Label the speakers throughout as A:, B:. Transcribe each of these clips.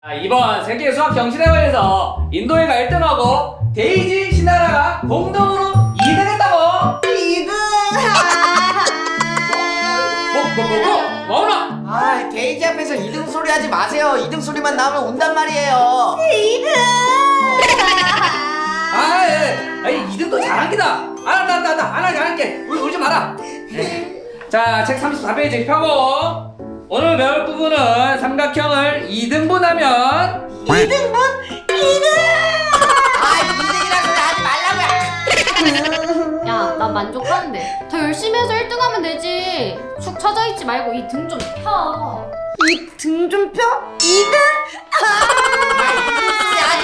A: 이번 세계 수학 경시대회에서 인도애가 1등하고 데이지 신나라가 공동으로 2등했다고.
B: 2등!
A: 뭐나?
C: 아, 데이지 앞에서 2등 소리 하지 마세요. 2등 소리만 나오면 온단 말이에요.
B: 2등!
A: 아이 2등도 잘하기다. 알아 잘할게. 울지 마라. 자, 책 34페이지 펴고 오늘 배울 부분은 삼각형을 2등분하면
B: 2등분? 2등!
C: 아, 2등이라는 소리 하지 말라고요.
D: 야, 난 만족하는데. 더 열심히 해서 1등 하면 되지. 축 처져 있지 말고 이 등 좀 펴.
B: 이 등 좀 펴? 2등?
C: 아, 2등 소리 하지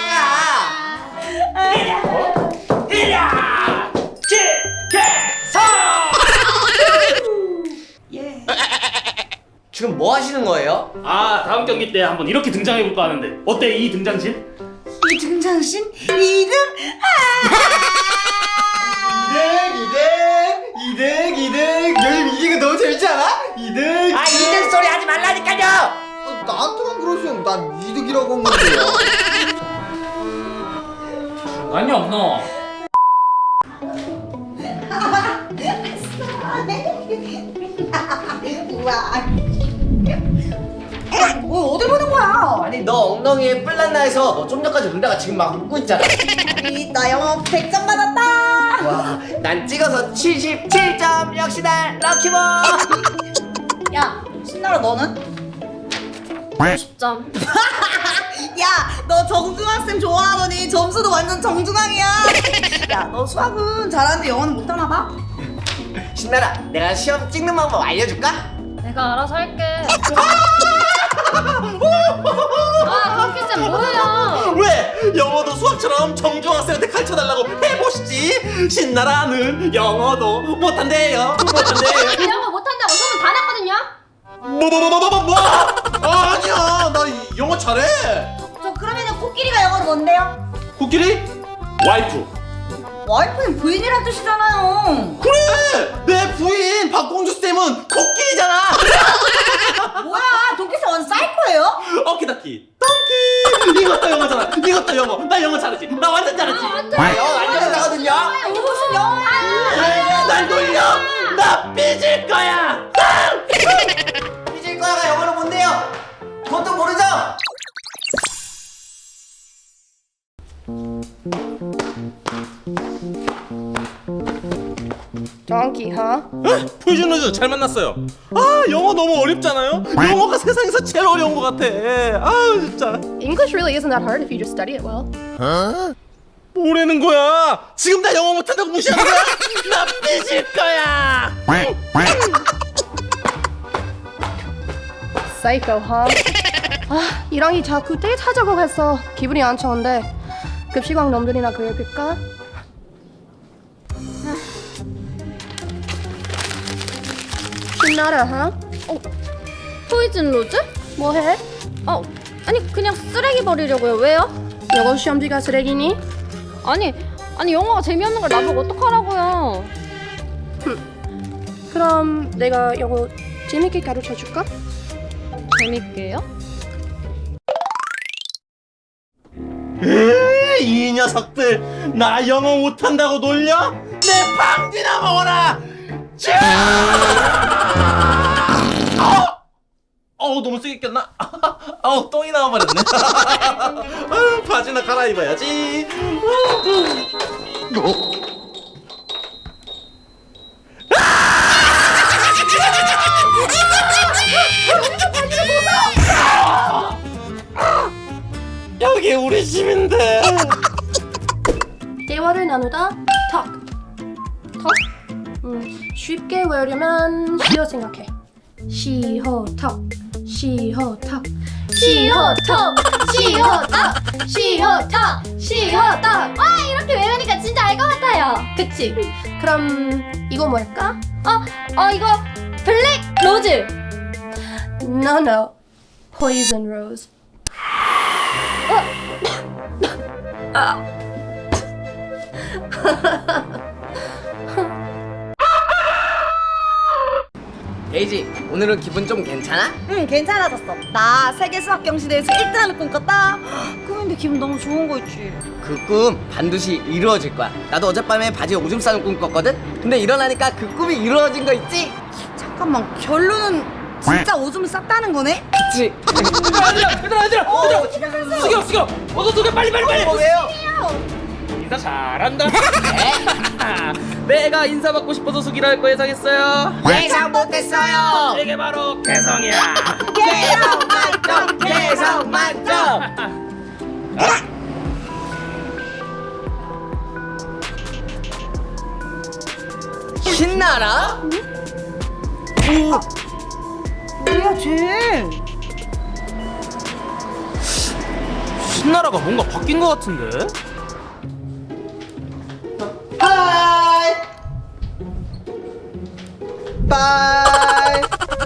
C: 말라니까. 지금 뭐 하시는 거예요?
E: 아, 다음 경기 때 한번 이렇게 등장해볼까 하는데 어때 이 등장신?
B: 이 등장신? 2등?
C: 2등. 요즘 이기가 너무 재밌지 않아? 2등. 아, 2등 소리 하지 말라니까요.
F: 나한테만 그러시면 난 이득이라고 한 건데요.
A: 아니 없노.
B: 우와. 뭐 어딜 보는 거야?
C: 아니, 너 엉덩이에 뿔 났나 해서 너 좀 전까지 울다가 지금 막 웃고 있잖아.
B: 나 영어 100점 받았다.
C: 와, 난 찍어서 77점. 역시 난 럭키보.
B: 야, 신나라 너는?
D: 10점.
B: 야, 너 정중학생 좋아하더니 점수도 완전 정중앙이야. 야, 너 수학은 잘하는데 영어는 못하나 봐?
C: 신나라, 내가 시험 찍는 방법 알려줄까?
D: 내가 알아서 할게. 아, 동키쌤 뭐예요?
E: 왜? 영어도 수학처럼 정중학생한테 가르쳐달라고 해보시지. 신나라는 영어도 못한대요.
D: 이 영어 못한다고 소문 다 났거든요?
E: 뭐? 아니야, 나 영어 잘해.
B: 저 그러면은 코끼리가 영어로 뭔데요?
E: 코끼리? 와이프.
B: 와이프는 부인이란 뜻이잖아요.
E: 그래, 내 부인 박공주 쌤은 코끼리잖아.
B: 뭐야, 동키스 완전 사이코예요?
E: 어키다키 덩키. 이것도 영어잖아. 이것도 영어. 나 영어 잘하지. 나 완전 잘하지.
C: 나 영어 완전 잘하거든요.
B: 이게 무슨 영어야?
E: 날 돌려. 나 삐질 거야.
C: 삐질 거야가 영어로 뭔데요? 그것도 모르죠?
B: Donkey, huh?
E: 포이즌 로즈 잘 만났어요. 아, 영어 너무 어렵잖아요. 영어가 세상에서 제일 어려운 것 같아. 아, 진짜.
G: English really isn't that hard if you just study it well.
E: 뭐라는 거야? 지금 나 영어 못한다고 무시하는 거야? 나 삐질 거야.
G: Psycho, huh? 아, 이랑이 자꾸 데이트하자고 했어. 기분이 안 좋은데 급식왕 놈들이나 그려볼까? 신나라, huh?
D: 포이즌 로즈?
G: 뭐해?
D: 아니 그냥 쓰레기 버리려고요. 왜요?
G: 영어 시험지가 쓰레기니?
D: 아니 영어가 재미없는 걸 나보고 어떡하라고요?
G: 그럼 내가 영어 재밌게 가르쳐줄까?
D: 재밌게요?
E: 이 녀석들 나 영어 못한다고 놀려? 내 방귀나 먹어라. 너무 세게 꼈나? 똥이 나와버렸네. 바지나 갈아입어야지. 여기 우리 집인데.
G: 대화를 나누다 talk. 쉽게 외우려면 시어 생각해. 시호 talk. 시호턱
D: 와, 이렇게 외우니까 진짜 알 것 같아요. 그치?
G: 그럼 이거 뭘까?
D: 이거 블랙 로즈.
G: No, poison rose.
C: 데이지, 오늘은 기분 좀 괜찮아?
B: 응, 괜찮아졌어. 나 세계 수학 경시대회에서 1등하는 꿈 꿨다. 꿈인데 기분 너무 좋은 거 있지.
C: 그 꿈 반드시 이루어질 거야. 나도 어젯밤에 바지에 오줌 싸는 꿈 꿨거든? 근데 일어나니까 그 꿈이 이루어진 거 있지?
B: 잠깐만, 결론은 진짜 오줌을 쌌다는 거네?
C: 그치?
E: 얘들아 숙여 어서 숙여 빨리
C: 왜요?
E: 인사 잘한다 내가 인사 받고 싶어서 숙이라 할 거 예상했어요
C: 예상 못했어요.
E: 이게 바로 개성이야
C: 개성 만점. 신나라?
B: 뭐야, 쟤?
E: 신나라가 뭔가 바뀐 거 같은데?
F: 하이 바이.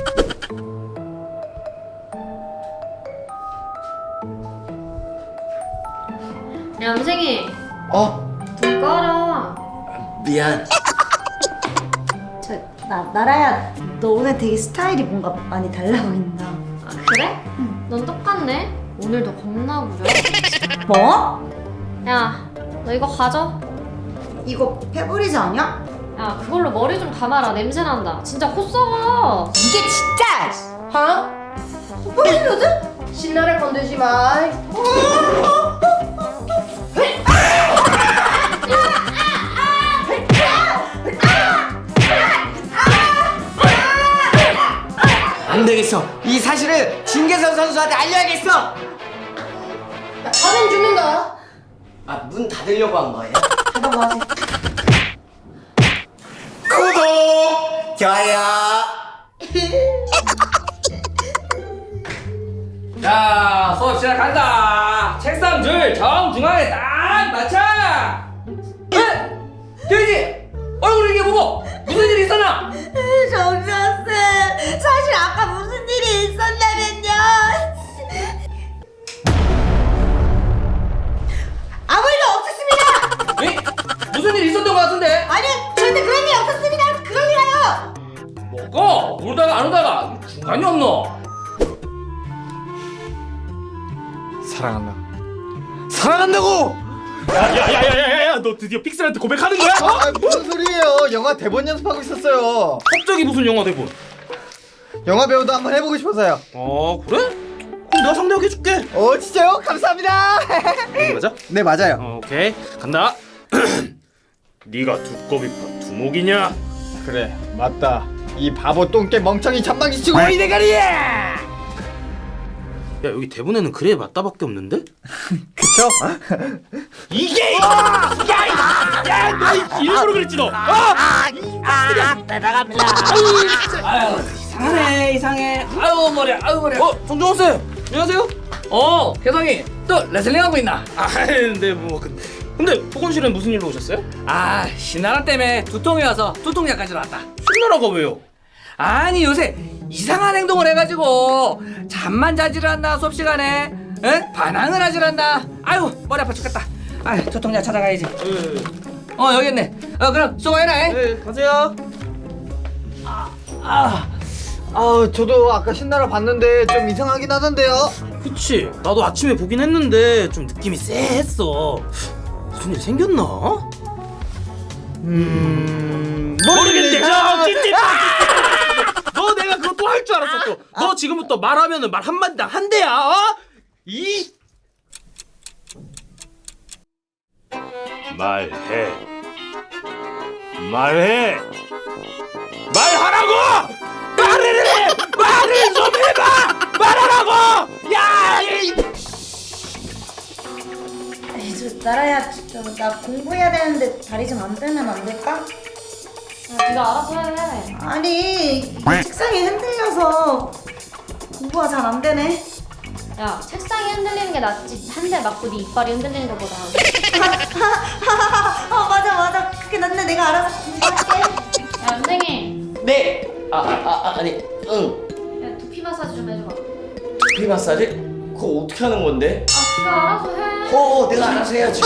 D: 야 남생이 불 꺼라.
C: 미안.
B: 나라야, 너 오늘 되게 스타일이 뭔가 많이 달라 보인다.
D: 아 그래? 넌 똑같네. 오늘도 겁나 부려.
B: 뭐?
D: 야 너 이거 가져.
B: 이거 페브리즈 아니야?
D: 야 그걸로 머리 좀 감아라. 냄새 난다. 진짜 코 썩어.
B: 이게 진짜!
G: 하? 페브리즈? 신나를 건들지 마.
C: 안 되겠어. 이 사실을 진계선 선수한테 알려야겠어.
G: 가면 죽는다.
C: 아, 문 닫으려고 한 거예요?
B: 닫아봐야지.
C: 구독! 좋아요.
A: 자, 수업 시작한다. 책상 줄 정중앙에 딱 맞춰. 에? 돼지! 얼굴 이게 뭐고? 무슨 일이 있었나?
B: 정수학생, 사실 아까 무슨 일이 있었냐면요. 아무 일도 없었습니다.
A: 에? 무슨 일이 있었던 것 같은데?
B: 아니, 절대 그런 일 없었습니다. 그럴 리가요.
A: 뭐고? 울다가 안 오다가 중간이 없노?
E: 사랑한다고! 야야야야야야 너 드디어 픽셀한테 고백하는 거야?
F: 아, 무슨 소리예요? 영화 대본 연습하고 있었어요.
E: 갑자기 무슨 영화 대본?
F: 영화 배우도 한번 해보고 싶어서요.
E: 그래? 그럼 내가 상대하게 해줄게
F: 진짜요? 감사합니다.
E: 맞아?
F: 네, 맞아요.
E: 오케이 간다 네가 두꺼비 두목이냐?
F: 그래, 맞다. 이 바보 똥개 멍청이 전방지 치고 이 대가리야.
E: 야 여기 대본에는 그래 맞다밖에 없는데?
F: 그쵸?
E: 이게 야너 일부러 그랬지 너
A: 아유, 이상해. 아유, 머리야. 아유, 머리야.
E: 정종원 쌤 안녕하세요
A: 혜성이 또 레슬링 하고 있나?
E: 근데 뭐 근데 보건실은 무슨 일로 오셨어요?
A: 아, 신나라 때문에 두통이 와서 두통약까지 왔다.
E: 신나라가 왜요?
A: 아니, 요새 이상한 행동을 해가지고 잠만 자질 않나 수업 시간에? 에? 반항을 하질 않나? 아유, 머리 아파 죽겠다. 아유, 두통약 찾아가야지. 여기 있네. 그럼 수고해라.
E: 네 가세요
F: 저도 아까 신나라 봤는데 좀 이상하긴 하던데요.
E: 그치 나도 아침에 보긴 했는데 좀 느낌이 쎄했어 무슨 일 생겼나? 모르겠네 너 내가 그거 또 할 줄 알았어 너 지금부터 말하면은 말 한마디당 한 대야 말해 말하라고 말을 좀 해봐 말하라고
B: 나라야, 나 공부해야 되는데 다리 좀 안 빼면 안 될까?
D: 야 네가 알아서 해.
B: 아니, 이 책상이 흔들려서 공부가 잘 안 되네.
D: 야 책상이 흔들리는 게 낫지. 한 대 맞고 네 이빨이 흔들리는 것보다.
B: 맞아. 그게 낫네. 내가 알아서 공부할게.
D: 야 남생이.
C: 네. 아니, 응.
D: 야 두피 마사지 좀 해줘봐.
C: 두피 마사지? 그거 어떻게 하는 건데?
D: 아 네가 알아서 해.
C: 내가 알아서 해야지.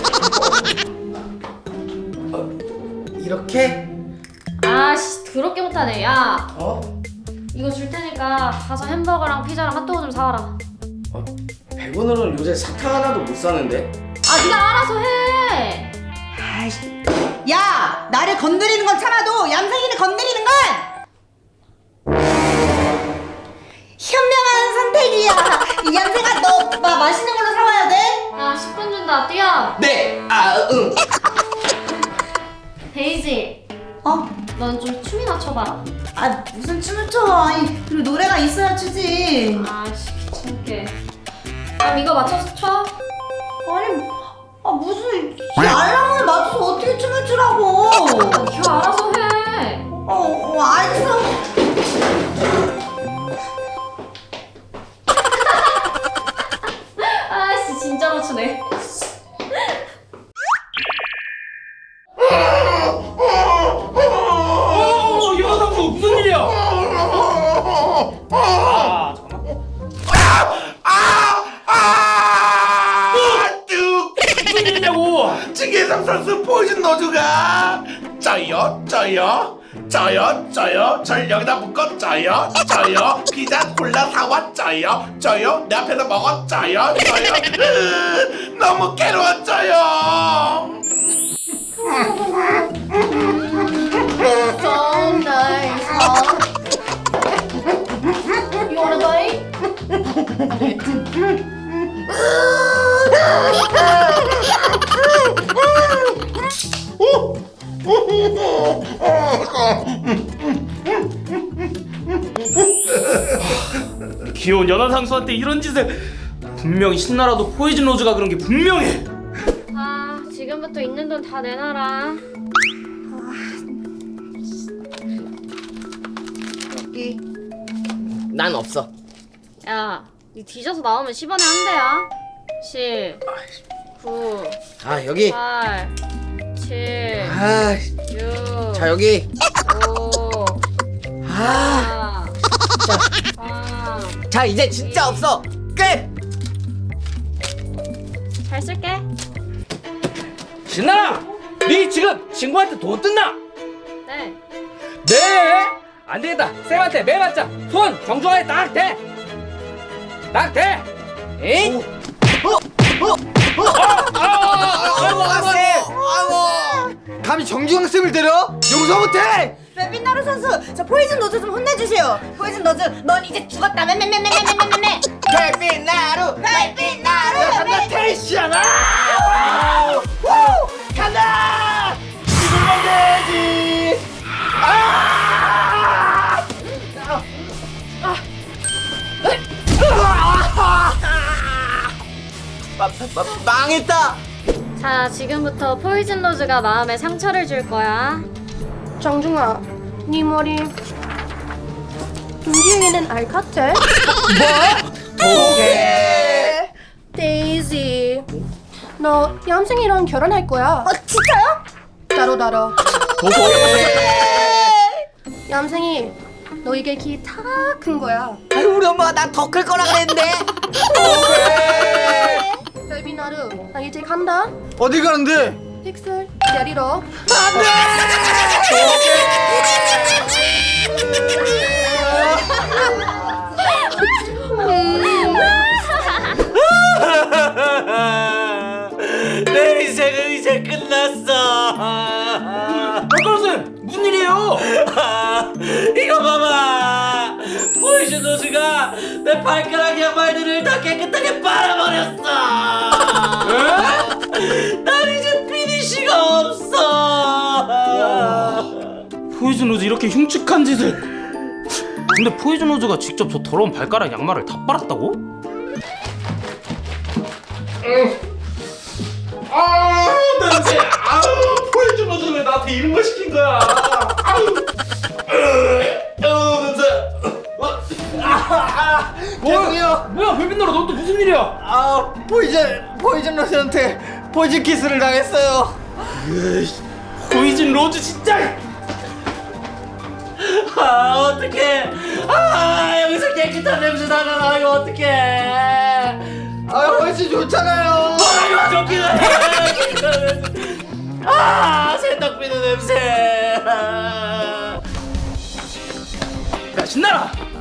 C: 이렇게?
D: 아씨 더럽게 못하네. 야
C: 어?
D: 이거 줄 테니까 가서 햄버거랑 피자랑 핫도그 좀 사와라.
C: 100원으로는 요새 사탕 하나도 못 사는데.
D: 아 네가 알아서 해.
B: 아이씨. 야, 나를 건드리는 건 참아도 얌생이를 건드리는 건 현명한 선택이야. 이 얌생아, 너 맛있는 걸로 사와야 돼.
D: 아 10분 준다. 뛰어.
C: 네. 응.
D: 데이지.
B: 어?
D: 넌 좀 춤이나 춰봐라.
B: 아, 무슨 춤을 춰? 아니, 그리고 노래가 있어야 추지.
D: 아씨 귀찮게. 그럼 이거 맞춰서 춰.
B: 아니, 무슨 이 알람을 맞춰서 어떻게 춤을 추라고?
D: 네가 알아서 해.
B: 알겠어.
D: 아씨 진짜 맞추네.
A: 영화상수 무슨 일이야? 무슨 일이냐고?
H: 찌개삼 선수 포진 노주가 짜요 절 여기다 묶어 짜요 피자 콜라 사와 짜요 내 앞에서 먹어 짜요 너무 괴로웠어요.
G: So nice, huh? You wanna bite?
A: 귀여운 연하상수한테 이런 짓을. 분명히 신나라도 포이즌 로즈가 그런 게 분명해.
D: 아 지금부터 있는 돈 다 내놔라.
C: 난 없어.
D: 야, 니 뒤져서 나오면 10원에 한 대야. 10, 9,
C: 아 여기.
D: 8, 7,
C: 아,
D: 6,
C: 자 여기.
D: 5,
C: 아,
D: 4, 3.
C: 자 이제 진짜 없어. 끝.
D: 잘 쓸게.
A: 신나라, 네 지금 친구한테 돈 뜯나?
D: 네.
A: 네. 안 되겠다. 쌤한테 매맞자. 손 정중하게 딱 대. 딱 대. 에이.
F: 아이고. 감히 정중앙 쌤을 때려? 용서 못해.
B: 베비나루 선수, 저 포이즌 노즈 좀 혼내주세요. 포이즌 노즈, 넌 이제 죽었다. 매매매매매매매매.
F: 별빛나루.
B: 베비나루.
F: 테이시아나. 간다. 이걸만 돼야지. 망했다.
D: 자, 지금부터 포이즌 로즈가 마음에 상처를 줄 거야.
G: 정중아, 네 머리 움직이는 알 같아?
F: 오케이.
G: 데이지, 너 얌생이랑 결혼할 거야.
B: 진짜요?
G: 따로. 얌생이, 너 이게 키 다 큰 거야.
C: 아유, 우리 엄마가 나 더 클 거라 그랬는데.
G: 베비나루, 나 이제 간다.
F: 어디 가는데?
G: 픽셀 데리러.
E: 내 인생은 이제 끝났어.
A: 박가루쌤 무슨 일이에요?
E: 이거 봐봐. 포이즌 노즈가 내 발가락 양말들을 다 깨끗하게 빨아버렸어. 난 이제 피니쉬가 없어.
A: 포이즌 로즈 이렇게 흉측한 짓을. 근데 포이즌 로즈가 직접 저 더러운 발가락 양말을 다 빨았다고?
E: 냄새. 포이즌 노즈 왜 나한테 이런 거 시킨 거야? 냄새.
A: 뭐야 별빛나라 너 또 무슨 일이야?
F: 아, 포이즌 로스한테 포이즌 키스를 당했어요.
A: 포이즌 로즈 진짜.
E: 어떡해. 여기서 깨끗한 냄새 나잖아. 이거 어떡해.
F: 아, 훨씬 좋잖아요.
E: 이거 좋긴 해. 세탁비누 냄새.
A: 야 신나라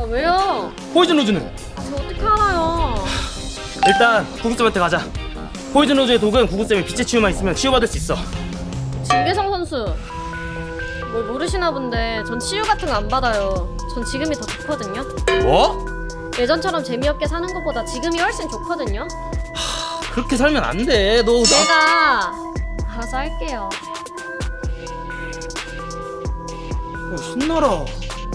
D: 왜요?
I: 포이즌 로즈는?
D: 저 어떻게 알아요?
I: 일단 구구쌤한테 가자. 포이즌 로즈의 독은 구구쌤이 빛의 치유만 있으면 치유받을 수 있어.
D: 진계성 선수 뭘 모르시나 본데 전 치유 같은 거 안 받아요. 전 지금이 더 좋거든요.
I: 뭐?
D: 예전처럼 재미없게 사는 것보다 지금이 훨씬 좋거든요.
I: 그렇게 살면 안 돼. 너
D: 내가 알아서 할게요.
I: 신나라.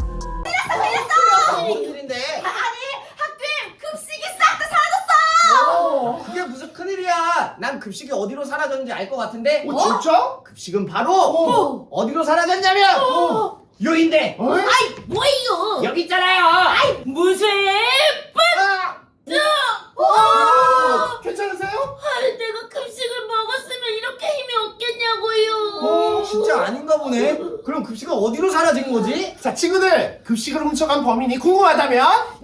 C: 그게 무슨 큰일이야. 난 급식이 어디로 사라졌는지 알 것 같은데.
F: 진짜?
C: 급식은 바로 어디로 사라졌냐면 여긴데.
B: 아이 뭐예요?
C: 여기 있잖아요.
B: 무슨
F: 괜찮으세요?
B: 내가 급식을 먹었으면 이렇게 힘이 없겠냐고요.
C: 진짜 아닌가 보네. 그럼 급식은 어디로 사라진 거지?
F: 자 친구들 급식을 훔쳐간 범인이 궁금하다면